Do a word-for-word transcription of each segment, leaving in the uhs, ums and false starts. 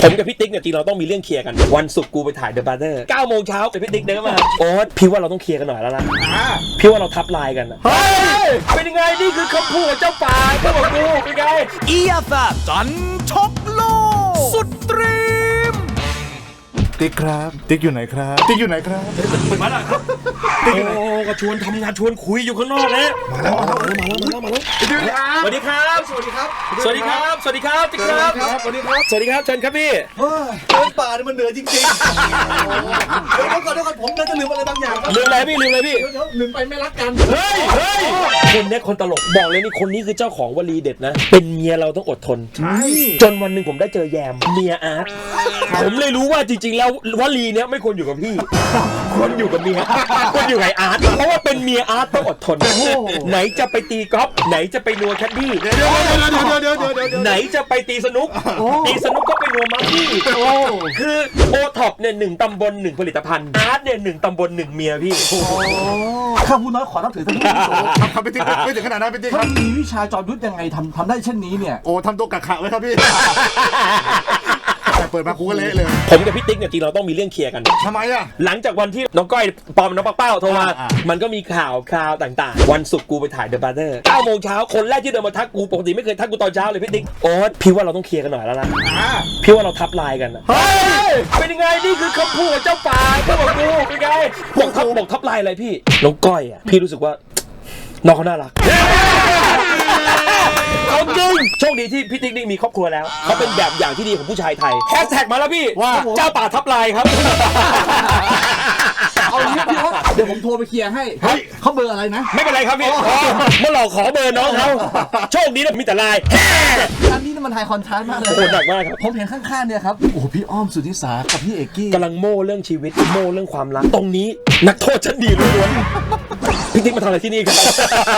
ผมกับพี่ติ๊กเนี่ยจริงเราต้องมีเรื่องเคลียร์กันวันศุกร์กูไปถ่าย The Brother เก้าโมงเช้าแต่พี่ติ๊กเดินมาโอ๊ตพี่ว่าเราต้องเคลียร์กันหน่อยแล้วนะพี่ว่าเราทับลายกันเฮ้ยเป็นยังไงนี่คือคำพูดเจ้าป่าเจ้าของกูเป็นไงอี เอฟ เอฟ จันทบโลกสุดตรีมติ๊กครับติ๊กอยู่ไหนครับติ๊กอยู่ไหนครับมาแล้วครับโอ้ก็ชวนทำงานชวนคุยอยู่ข้างนอกนะมาแล้วมาแล้วมาแล้วมาแล้วสวัสดีครับสวัสดีครับสวัสดีครับสวัสดีครับติ๊กครับสวัสดีครับสวัสดีครับเชิญครับพี่เดินป่าเนี่ยมันเหนื่อยจริงๆเดี๋ยวก่อนเดี๋ยวก่อนผมน่าจะลืมอะไรบางอย่างครับลืมอะไรพี่ลืมอะไรพี่ลืมไปไม่รักกันเฮ้ยเฮ้ยคนนี้คนตลกบอกเลยนี่คนนี้คือเจ้าของวลีเด็ดนะเป็นเมียเราต้องอดทนจนวันหนึ่งผมได้เจอแยมเมียอาร์ตผมเลยรู้ว่าจริงๆแล้ววลีเนี้ยไม่ควรอยู่กับพี่ควรอยู่กับเมียควรอยู่กับอาร์ตเพราะว่าเป็นเมียอาร์ตต้องอดทนไหนจะไปตีกอล์ฟไหนจะไปนัวแคดดี้ไหนจะไปตีสนุกตีสนุกก็ไปนัวมัฟฟี่คือโอท็อปเนี่ยหนึ่งตำบลหนึ่งผลิตภัณฑ์อาร์ตเนี่ยหนึ่งตำบลหนึ่งเมียพี่ข้าผู้น้อยขอนับถือท่านผู้สูงทำไปติ๊กไม่ถึงขนาดนั้นไปติ๊กท่านมีวิชาจอมยุทธยังไงทำทำได้เช่นนี้เนี่ยโอ้ทำตัวกะขะไว้ครับพี่เปิดมากูก็เละเลยผมกับพี่ติ๊กเนี่ยจริงเราต้องมีเรื่องเคลียร์กันทำไมอ่ะหลังจากวันที่น้องก้อยปอมน้องปักเป้าโทรมามันก็มีข่าวคราวต่างๆวันศุกร์กูไปถ่าย The Brother เก้าโมงเช้าคนแรกที่เดินมาทักกูปกติไม่เคยทักกูตอนเช้าเลยพี่ติ๊กโอ๊ตพี่ว่าเราต้องเคลียร์กันหน่อยแล้วนะพี่ว่าเราทับลายกันเฮ้ยเป็นยังไงนี่คือคำพูดเจ้าป่าเจ้าของกูเป็นไงบอกทับบอกทับลายอะไรพี่น้องก้อยอ่ะพี่รู้สึกว่าน้องเขาน่ารักเขาจริงโชคดีที่พี่ติ๊กนี่มีครอบครัวแล้วเขาเป็นแบบอย่างที่ดีของผู้ชายไทยแฮชแท็กมาแล้วพี่ว่าเจ้าป่าทับลายครับเอางี้พี่ว่าเดี๋ยวผมโทรไปเคลียร์ให้เขาเบอร์อะไรนะไม่เป็นไรครับพี่เมื่อหลอกขอเบอร์น้องเขาโชคดีนะมีแต่ลายอันนี้มันไฮคอนทราสต์มากเลยโหหนักมากครับผมเห็นข้างๆเนี่ยครับโอ้พี่อ้อมสุนิสากับพี่เอกกี้กำลังโม่เรื่องชีวิตโม่เรื่องความรักตรงนี้นักโทษชั้นดีล้วนๆพี่ติ๊กมาทำอะไรที่นี่ครับ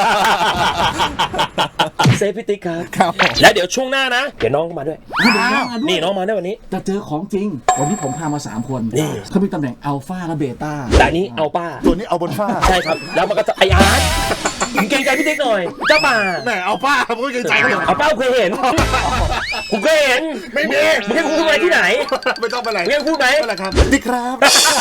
เซฟพี่ติ๊กครับและเดี๋ยวช่วงหน้านะเดี๋ยวน้องมาด้วยนี่น้องมาด้วยวันนี้จะเจอของจริงวันนี้ผมพามาสามคนเขามีตำแหน่งอัลฟาและเบต้าแต่นี้เอาป้าตัวนี้เอาบนฟ้าใช่ครับแล้วมันก็จะไออาร์ตเกรงใจพี่ติ๊กหน่อยเจ้าป่าแหมเอาป้าผมก็เกรงใจเขาเอาป้าเคยเห็นผมเคยเห็นไม่มีมึงให้กูพูดอะไรที่ไหนไม่ต้องไปไหนมึงให้พูดไหมอะไรครับติ๊กครับ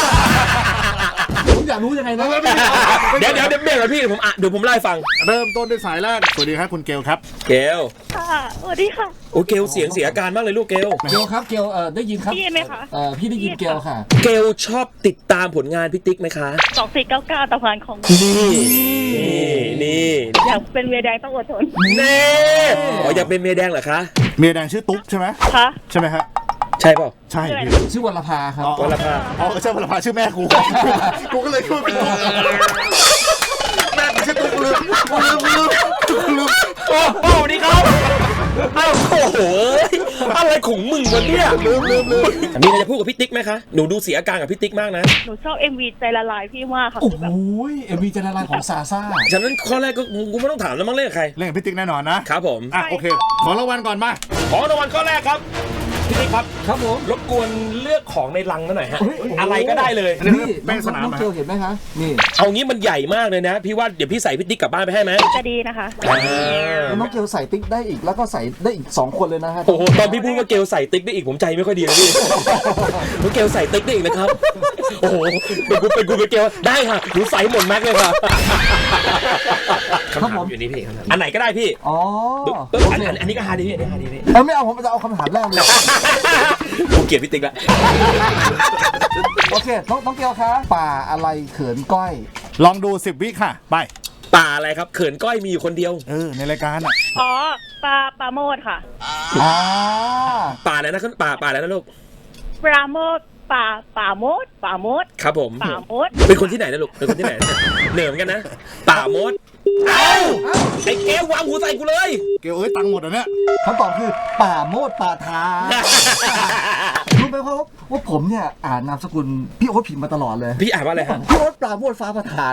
ผมอยากรู้ยังไงนะเดี๋ยวเดี๋ยวเดี๋ยวเบรกเลยพี่ผมอ่ะเดี๋ยวผมไล่ฟังเริ่มต้นด้วยสายแรกสวัสดีครับคุณเกลครับเกลค่ะสวัสดีค่ะโอ้เกลเสียงเสียอาการมากเลยลูกเกลเกลครับเกลเอ่อได้ยินครับพี่ไหมคะเอ่อพี่ได้ยินเกลค่ะเกลชอบติดตามผลงานพี่ติ๊กไหมคะสองสี่เก้าเก้าตะวันของนี่นี่นี่อยากเป็นเมียแดงต้องอดทนเน่อ๋ออยากเป็นเมียแดงเหรอคะเมียแดงชื่อตุ๊กใช่ไหมคะใช่ไหมฮะใช่เปล่าใช่ชื่อวรภาครับวรภาอ๋อใช่วรภาชื่อแม่กูกูก็เลยพูดเป็นตุ๊กแม่กูชื่อตุ๊กลืมลืมลืมลืมโอ้โหนี่ครับอ้าวโอ้โหอะไรของมึงวะเนี่ยลืมลืมลืมมีอะไรจะพูดกับพี่ติ๊กไหมคะหนูดูเสียอาการกับพี่ติ๊กมากนะหนูชอบ เอ็ม วี ใจละลายพี่มากค่ะโอ้โห เอ็ม วี ใจละลายของซาซ่าฉะนั้นข้อแรกก็กูไม่ต้องถามแล้วมั้งเล่นกับใครเล่นกับพี่ติ๊กแน่นอนนะครับผมอ่ะโอเคขอรางวัลก่อนมาขอรางวัลข้อแรกครับพี่ติ๊กครับครับผมรบกวนเลือกของในลังหน่อยฮะอะไรก็ได้เลยนี่แป้งสนามน้องเกลเห็นไหมคะนี่เอางี้มันใหญ่มากเลยนะพี่ว่าเดี๋ยวพี่ใส่พี่ติ๊กกลับบ้านไปให้ไหมจะดีนะคะน้องเกลใส่ติ๊กได้อีกแล้วก็ใส่ได้อีกสองคนเลยนะฮะโอ้โหตอนพี่พูดว่าเกลใส่ติ๊กได้อีกผมใจไม่ค่อยดีเลยพี่น้องเกลใส่ติ๊กได้อีกนะครับโอ้โหเป็นกูเป็นกูเป็นเกลได้ค่ะหนูใส่หมดแม็กเลยค่ะคำถามอยู่นี่พี่อันไหนก็ได้พี่อ๋ออันนี้ก็ฮาดีพี่อันนี้ฮาดีพี่ไม่เอาผมจะเอาคำถามแรกเลยกูเกลียดพี่ติ๊กละโอเคน้องน้องเกลคะป่าอะไรเขินก้อยลองดูสิบวิค่ะไปป่าอะไรครับเขินก้อยมีอยู่คนเดียวเออในรายการอ่ะอ๋อปลาปลาโมดค่ะอ่าป่าอะไรนะขึ้นป่าป่าอะไรนะลูกปลาโมดป่าป่าโมดป่าโมดครับผมป่าโมดเป็นคนที่ไหนนะลูกเป็นคนที่ไหนเหนือเหมือนกันนะป่าโมดเอ้าไอ้เกลวางหูใส่กูเลยเกลเอ้ยตังค์หมดอ่ะเนี่ยคำตอบคือป่าโมดป่าทารู้ไหมว่าว่าผมเนี่ยอ่านนามสกุลพี่โอ๊ตผิดมาตลอดเลยพี่อ่านว่าอะไรฮะพี่โอ๊ตปราโมดฟ้าประธาน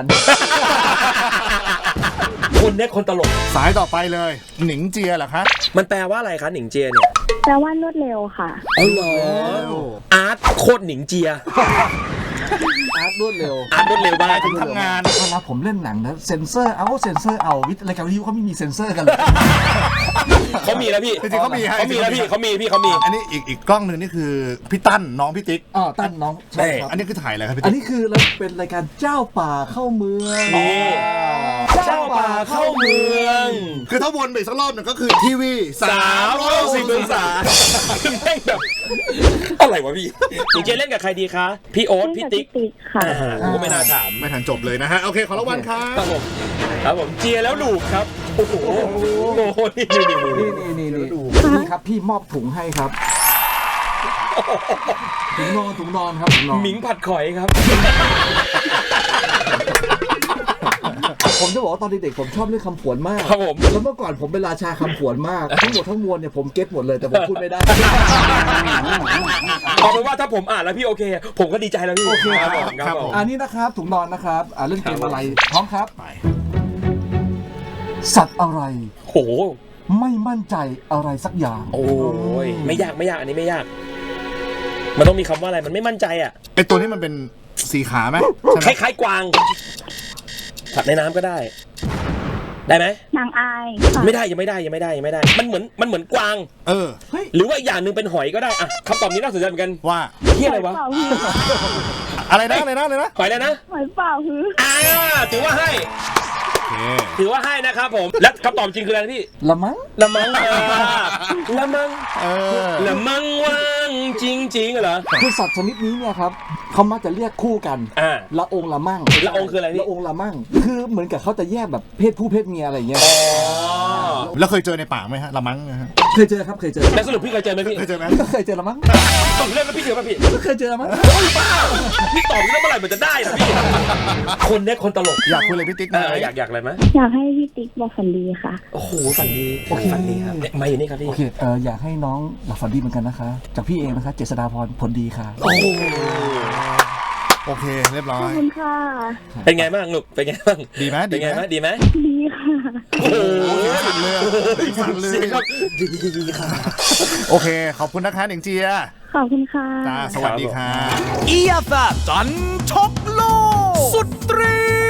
คนเนี้ยคนตลกสายต่อไปเลยหนิงเจียเหรอคะมันแปลว่าอะไรคะหนิงเจียเนี่ยแปลว่ารวดเร็วค่ะอ๋อเหรออาร์ตโคตรหนิงเจียอาร์ตรวดเร็วอาร์ตรวดเร็วมากถึงทำงานเวลาผมเล่นหนังนะเซนเซอร์เอาเซนเซอร์เอาวิทย์รายการวิทยุเขาไม่มีเซนเซอร์กันเลยเขามีแล้วพี่จริงๆเขามีให้เขามีแล้วพี่เขามีพี่เขามีอันนี้อีกอีกกล้องหนึ่งนี่คือพี่ตั้นน้องพี่ติ๊กอ๋อตั้นน้องใช่ครับอันนี้คือถ่ายอะไรครับพี่อันติ๊กนี้คือเราเป็นรายการเจ้าป่าเข้าเมืองนี่ เจ้าป่าเข้าเมืองคือถ้าวนไปอีกสักรอบหนึ่งก็คือทีวีสามร้อยหกสิบองศาแม่งแบบอะไรวะพี่จริงๆเล่นกับใครดีคะพี่โอ๊ตพี่ติ๊กติ๊กค่ะอ่าโอ้ไม่น่าถามไม่ทันจบเลยนะฮะ โอเค ขอรางวัลครัครับ บผมครับผมเจียแล้วดูครับโอ้โหโอ้โหนี่นี่นี่นี่นี่นี่นี่นี่ครับพี่มอบถุงให้ครับถุงนอนถุงนอนครับถุงนอนหมิงผัดข่อยครับผมจะบอกว่าตอนเด็กๆผมชอบเรื่องคำผวนมากครับผมแล้วเมื่อก่อนผมเป็นราชาคำผวนมากทั้งหมดทั้งมวลเนี่ยผมเก็ตหมดเลยแต่ผมพูดไม่ได้เอาเป็นว่าถ้าผมอ่านแล้วพี่โอเค ผมก็ดีใจแล้วพี่โอเคครับผมครับผมอันนี้นะครับถุงนอนนะครับอ่าเล่นเกมอะไรพร้อมครับสัตว์อะไรโหไม่มั่นใจอะไรสักอย่างโอ้ยไม่ยากไม่ยากอันนี้ไม่ยาก มันต้องมีคำว่าอะไรมันไม่มั่นใจอ่ะไอตัวนี้มันเป็นสีขาไหมคล้ายๆกวางสัตว์ในน้ำก็ได้ ได้ไหมนางอายค่ะไม่ได้ยังไม่ได้ยังไม่ได้ยังไม่ได้ มันเหมือนมันเหมือนกวางเออหรือว่าอีกอย่างหนึ่งเป็นหอยก็ได้อะคำตอบนี้น่าสนใจเหมือนกันว่าเที่ยอะไรวะหอยเป่าฮืออะไรนะอะไรนะอะไรนะหอยเลยนะหอยเป่าฮืออ่าถือว่าให้โอเคถือว่าให้นะครับผม และคำตอบจริงคืออะไรนะพี่ละมั้งละมังอ่าละมังเออละมังว่างจริงๆเหรอคือสัตว์ชนิดนี้เนี่ยครับเขามักจะเรียกคู่กันอ่าละองละมั่งละองคืออะไรพี่ละองละมั่ง คือเหมือนกับเขาจะแยกแบบเพศผู้เพศเมียอะไรอย่างเงี้ยอ๋อแล้วเคยเจอในป่าไหมฮะละมั้งนะฮะเคยเจอครับเคยเจอแล้วสรุปพี่เคยเจอไหมพี่เคยเจอไหมก็เคยเจอละมั้งตอบเรื่องแล้วพี่เจอป่ะพี่ก็เคยเจอละมั้งบ้าพี่ตอบเรื่องเมื่อไหร่มันจะได้นะพี่คนเนี้ยคนตลกอยากคุยเลยพี่ติ๊กเอนะออยากอยากอะไรไหมอยากให้พี่ติ๊กบอกฝันดีค่ะโอ้โหฝันดีโอเคฝันดีครับเนี่ยมาอยู่นี่ครับพี่โอเคเอออยากให้น้องหลับฝันดีเหมือนกันนะคะ จากพี่เองนะคะ เจษฎาพรผลดีค่ะโอ้โหโอเค เรียบร้อขอบยคุณค่ะเป็นไงบ้างลูกเป็นไงบ้างดีไหมเป็นไงดีไหมบ้างดีไหมดีค่ะโอ้โหสั่นเลยสั่นเลยสีงครับดีค่ะโอเค ขอบคุณนะคะหนิงเจียขอบคุณค่ะจ้าสวัสดีค่ะเอียแฟจันทร์ช็อกโลกสุดเตรี